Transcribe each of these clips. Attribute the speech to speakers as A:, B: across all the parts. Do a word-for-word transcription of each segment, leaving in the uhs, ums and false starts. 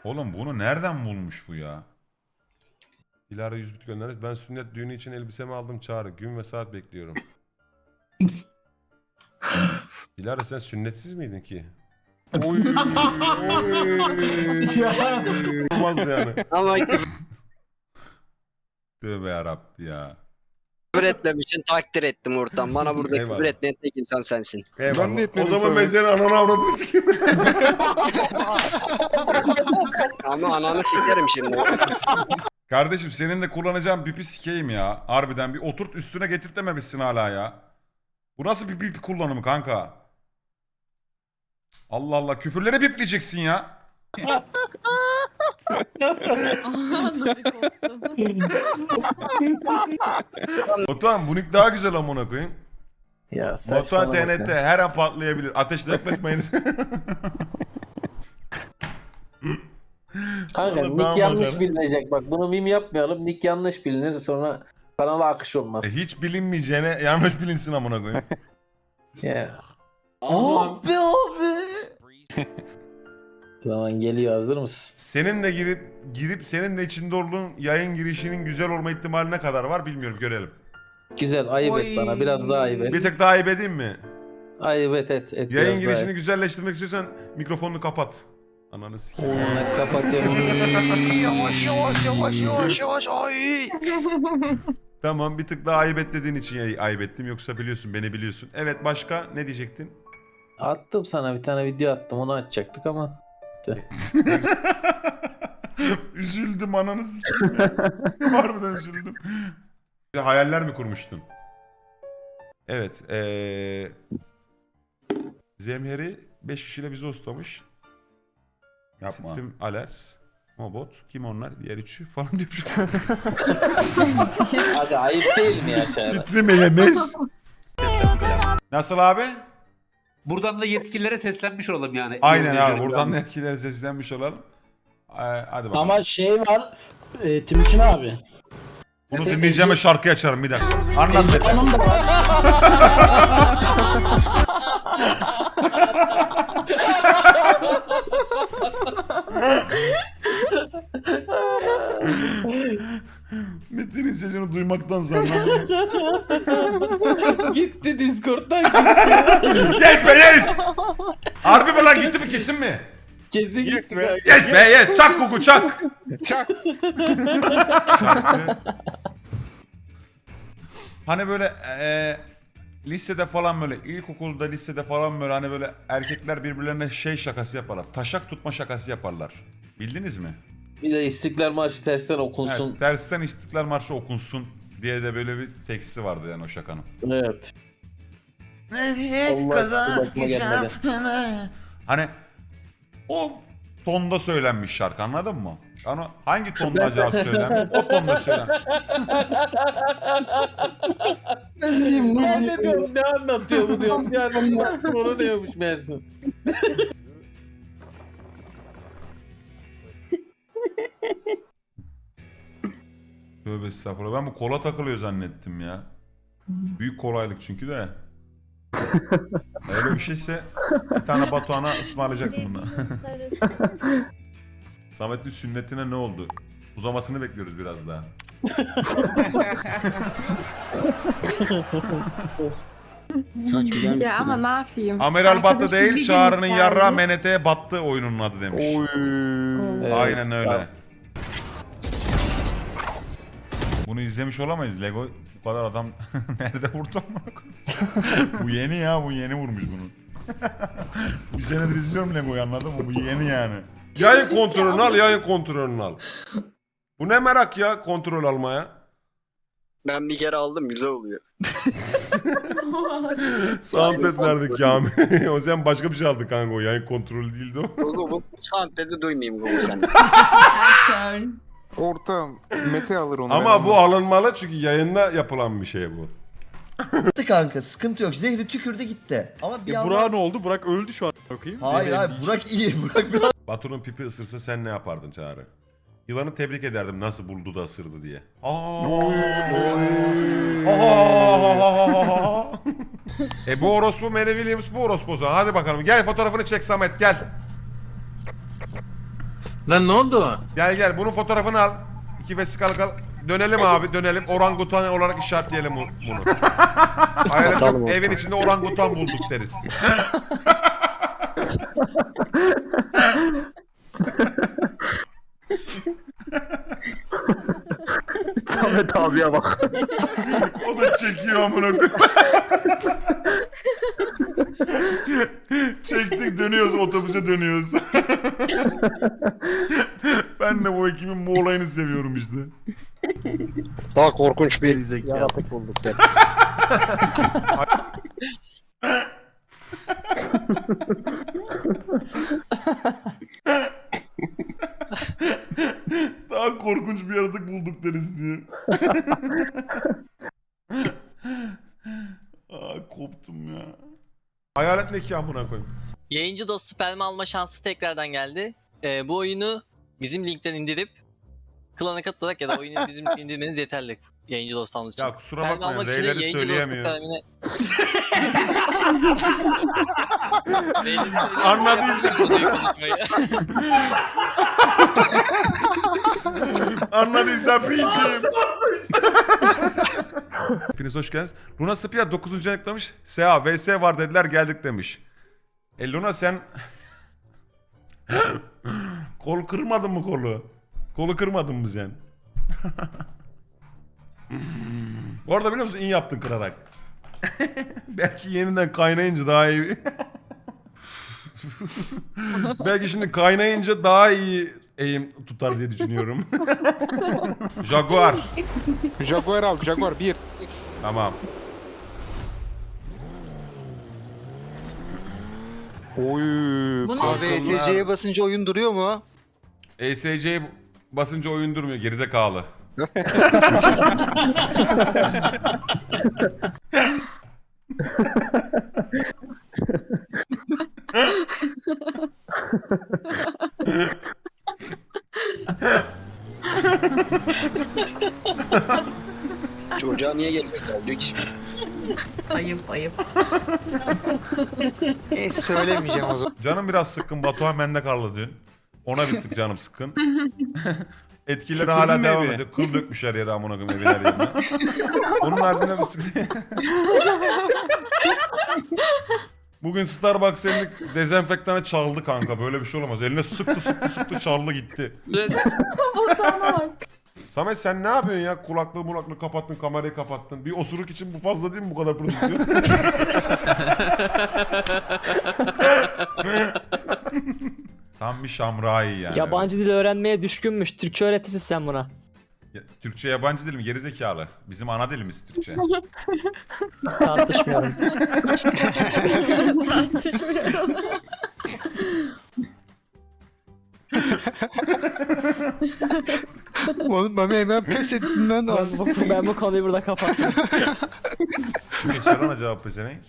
A: Oğlum bunu nereden bulmuş bu ya?
B: Dilara yüz bit göndermiş. Ben sünnet düğünü için elbisemi aldım Çağrı. Gün ve saat bekliyorum. Dilara sen sünnetsiz miydin ki? Oy. Olmazdı yani.
C: Ama küfür
A: Tövbe yarabbi ya.
C: etmemişsin, takdir ettim ortam. Bana burada
B: Eyvallah.
C: küfür etmeyen tek insan sensin.
B: Eyvallah.
D: Ben de etmedim
B: O zaman
D: sonra.
B: ben senin ananı avradını sikeyim.
C: Ama ananı sikerim şimdi.
A: Kardeşim senin de kullanacağın pipi sikeyim ya. Harbiden bir oturt üstüne getirtememişsin hala ya. Bu nasıl bir pipi kullanımı kanka? Allah Allah, küfürleri bipleyeceksin ya. Batuhan bu nick daha güzel amına koyayım.
E: Ya
A: Batuhan
E: saçmalama.
A: T N T her an patlayabilir. Ateşle yaklaşmayınız.
E: Kanka
A: Oğlum,
E: nick
A: ne
E: yanlış
A: yapalım?
E: bilinecek. Bak bunu mim yapmayalım. Nick yanlış bilinir sonra kanala akış olmaz.
A: E, hiç bilinmeyeceğine yanlış bilinsin amına koyayım.
E: Ya.
F: Abi abi.
E: Zaman geliyor, hazır mısın?
A: Senin de girip girip senin de içinde olduğun yayın girişinin güzel olma ihtimali ne kadar var bilmiyorum, görelim.
E: Güzel, ayıp
F: Oy.
E: et bana. Biraz daha ayıp et.
A: Bir tık daha ayıp edeyim mi?
E: Ayıp et et. et
A: Yayın
E: biraz daha
A: girişini
E: et.
A: güzelleştirmek istiyorsan mikrofonunu kapat. Ananı sikeyim.
E: Ben kapatıyorum.
C: Yavaş yavaş yavaş yavaş yavaş ay.
A: Tamam, bir tık daha ayıp et dediğin için yay- ayıp ettim, yoksa biliyorsun, beni biliyorsun. Evet, başka ne diyecektin?
E: Attım sana bir tane video attım, onu açacaktık ama.
A: Üzüldüm ananı sikeyim. Harbiden üzüldüm. Hayaller mi kurmuştun? Evet. Ee... Zemheri beş kişiyle bizi hostlamış.
D: Yapma.
A: Sistem Alers, Mobot, kim onlar? Diğer üçü falan diyormuş.
E: Hadi ayıp değil mi ya Çağrı?
A: Titrim elemez. Nasıl abi?
G: Buradan da yetkililere seslenmiş olalım yani.
A: Aynen abi,
G: İzleyicilerim
A: buradan
G: yani.
A: etkilere seslenmiş olalım. Ee, hadi bakalım.
H: Ama şey var, e, Timuçin abi.
A: Bunu dinleyeceğim ve şarkı açarım bir dakika. Anlat Mete.
H: Hanım da var.
A: Metin'in sesini duymaktan zannedim.
E: Gitti Discord'dan gitti.
A: Yes be yes! Harbi mi lan, gitti mi kesin mi?
E: Kesin gitti. kanka.
A: Yes be yes! Çak kuku çak!
D: Çak.
A: Hani böyle e, lisede falan, böyle ilkokulda, lisede falan böyle hani böyle erkekler birbirlerine şey şakası yaparlar. Taşak tutma şakası yaparlar. Bildiniz mi?
E: Bir de İstiklal Marşı tersten okunsun.
A: Evet, tersten İstiklal Marşı okunsun diye de böyle bir teksti vardı yani o şakanın.
E: Evet.
F: Nereye
E: Allah
F: kadar
E: aklıma gelmedi.
F: gideceğim?
A: Hani o tonda söylenmiş şarkı, anladın mı? Yani hangi tonda acaba söylenmiş? O tonda söylenmiş.
E: Ben de diyorum ne anlatıyor bu diyorum. Yani onu diyormuş Mersin.
A: Tövbe estağfurullah. Ben bu kola takılıyor zannettim ya. Büyük kolaylık çünkü de. Öyle bir şeyse bir tane Batuhan'a ısmarlayacaktım bunu. Samet'in sünnetine ne oldu? Uzamasını bekliyoruz biraz daha.
H: Saç güzelmiş.
F: Ya ama ne yapayım?
A: Amiral battı
F: Arkadaşım bir
A: değil,
F: gün
A: Çağrı'nın
F: geldi.
A: yarrağı M N T'ye battı oyunun adı demiş.
E: Evet,
A: Aynen öyle.
E: tamam.
A: Bunu izlemiş olamayız. Lego bu kadar adam nerede vurdu amına koyayım? Bu yeni ya, bu yeni vurmuş bunu. Bir senedir izliyorum Lego'yu, anladın mı? Bu yeni yani.
B: Yayın kontrolünü al, yayın kontrolünü al. Bu ne merak ya, kontrol almaya.
C: Ben bir kere aldım, güzel oluyor.
B: Soundpad verdik ya. O sen başka bir şey aldın kanka, o yayın kontrolü değildi o.
C: Google bu soundpad'i duymayayım Google sen.
D: Ortam. Mete alır onu.
B: Ama bu alınmalı çünkü yayında yapılan bir şey bu.
F: Gitti kanka, sıkıntı yok. Zehri tükürdü gitti. Ama bir
I: Ya
F: yandan...
I: Burak ne oldu? Burak öldü şu an. Bakayım.
F: Hayır hayır, Burak iyi. Burak biraz...
B: Batu'nun pipi ısırsa sen ne yapardın Çağrı? Yılanı tebrik ederdim nasıl buldu da ısırdı diye. Aa. E bu orospu Mary Williams, bu orospu o zaman. Hadi bakalım, gel fotoğrafını çek Samet, gel.
E: Lan ne oldu?
B: Gel gel bunun fotoğrafını al. İki vesikalık al. Dönelim abi dönelim. Orangutan olarak işaretleyelim bu- bunu. Hayalet yok. Evin içinde orangutan bulduk deriz.
I: Samet abiye bak.
A: O da çekiyor amına koyayım. Çektik dönüyoruz otobüse dönüyoruz. Ben de bu ekibin bu olayını seviyorum işte.
C: Daha korkunç bir
I: Yaratık bulduk.
A: Daha korkunç bir yaratık bulduk deriz diye. Aa, koptum ya.
B: Hayalet ne ki amına koyayım.
J: Yayıncı dostu sperm alma şansı tekrardan geldi. Ee, bu oyunu bizim linkten indirip klana katılarak ya da oyunu bizim linkten indirmeniz yeterli. Yayıncı dostu almanız için.
B: Ya kusura
J: Sperm
B: bakmayın
J: almak için de
B: Reyleri
J: yayıncı dostu
B: söyleyemiyor.
J: spermine... Reyleri söyleyemiyor.
B: Anladıysa-
J: Konuyu konuşmayı.
A: Anladıysan piçim.
B: Hepiniz hoş geldiniz. Luna Spia dokuzuncu ayıklamış. S A V S var dediler geldik demiş. E Luna sen... Kol kırmadın mı kolu? Kolu kırmadın mı sen? Bu arada biliyor musun iyi yaptın kırarak. Belki yeniden kaynayınca daha iyi. Belki şimdi kaynayınca daha iyi eğim tutar diye düşünüyorum. Jaguar.
D: Jaguar al, Jaguar bir.
B: Tamam.
D: Oy.
C: Abi E S C'ye basınca oyun duruyor mu?
B: E S C'ye basınca oyun durmuyor gerizekalı.
C: Çocuğa niye gerizekalı diyor ki?
K: Ayıp ayıp.
C: E söylemeyeceğim o zaman.
B: Canım biraz sıkkın. Batuhan bende kaldı dün. Ona bir tık canım sıkkın. Etkileri hala devam ediyor. Kıl dökmüşler yere amına koyayım evin her yerine. Onun ardına bir sıkıntı. Bugün Starbucks elini dezenfektana çaldı kanka. Böyle bir şey olamaz. Eline sıktı sıktı sıktı çaldı gitti. Samet sen ne yapıyorsun ya? Kulaklığı mulaklığı kapattın, kamerayı kapattın. Bir osuruk için bu fazla değil mi bu kadar prodüksiyon? Tam bir şamrayı yani.
H: Yabancı dil öğrenmeye düşkünmüş. Türkçe öğretirsin sen buna.
B: Ya, Türkçe yabancı dil mi? Gerizekalı. Bizim ana dilimiz Türkçe.
H: Tartışmıyorum.
K: Tartışmıyorum.
C: Oğlum Mami hemen pes ettin lan
H: ben,
C: az.
H: bu, ben bu konuyu burada kapattım.
B: Peki sorana cevap pezevenk.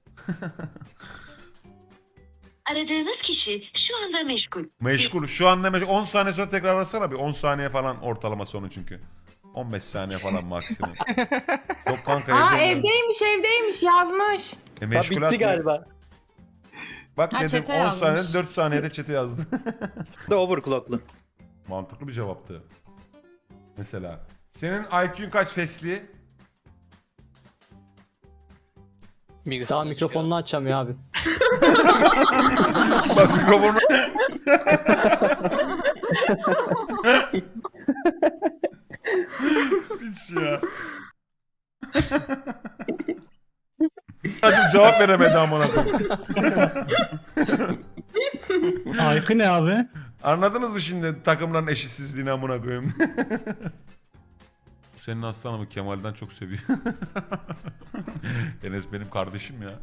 K: Aradığınız kişi şu anda meşgul.
B: Meşgul. Şu anda meşgul. on saniye sonra tekrar arasana bir. on saniye falan ortalama sonu çünkü. on beş saniye falan maksimum. Yok kanka
K: Aa
B: evdeyim.
K: evdeymiş evdeymiş yazmış.
B: E, meşgulat
H: bitti
B: ya.
H: galiba.
B: Bak
K: Ha,
B: dedim
K: chat'e
B: on
K: yazmış.
B: saniyede dört saniyede chat'e yazdı.
H: Da overclocklu.
B: Mantıklı bir cevaptı. Mesela. Senin I Q'un kaç Fesli?
H: Daha mikrofonunu açamıyor abi.
B: Bak mikrofonu.
A: Piç ya.
B: Acım cevap veremedi amına koyayım.
H: Aykı ne abi?
B: Anladınız mı şimdi takımların eşitsizliğini amına koyayım? Senin aslanımı Kemal'den çok seviyor. Enes benim kardeşim ya.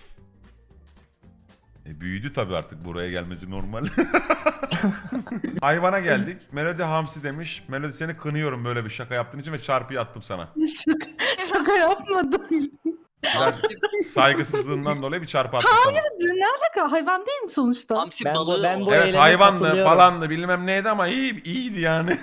B: E büyüdü tabii artık buraya gelmesi normal. Hayvana geldik. Melody hamsi demiş. Melody seni kınıyorum böyle bir şaka yaptığın için ve çarpıyı attım sana.
K: Şaka yapmadım.
B: Biraz saygısızlığından dolayı bir çarpı attım sana.
K: Ne alaka? Hayvan değil mi sonuçta?
J: Hamsi
H: Ben bu,
J: balığı
H: ben
J: o.
H: bu
B: Evet
H: eyleme
B: hayvandı
H: katılıyorum.
B: falandı bilmem neydi ama iyi, iyiydi yani.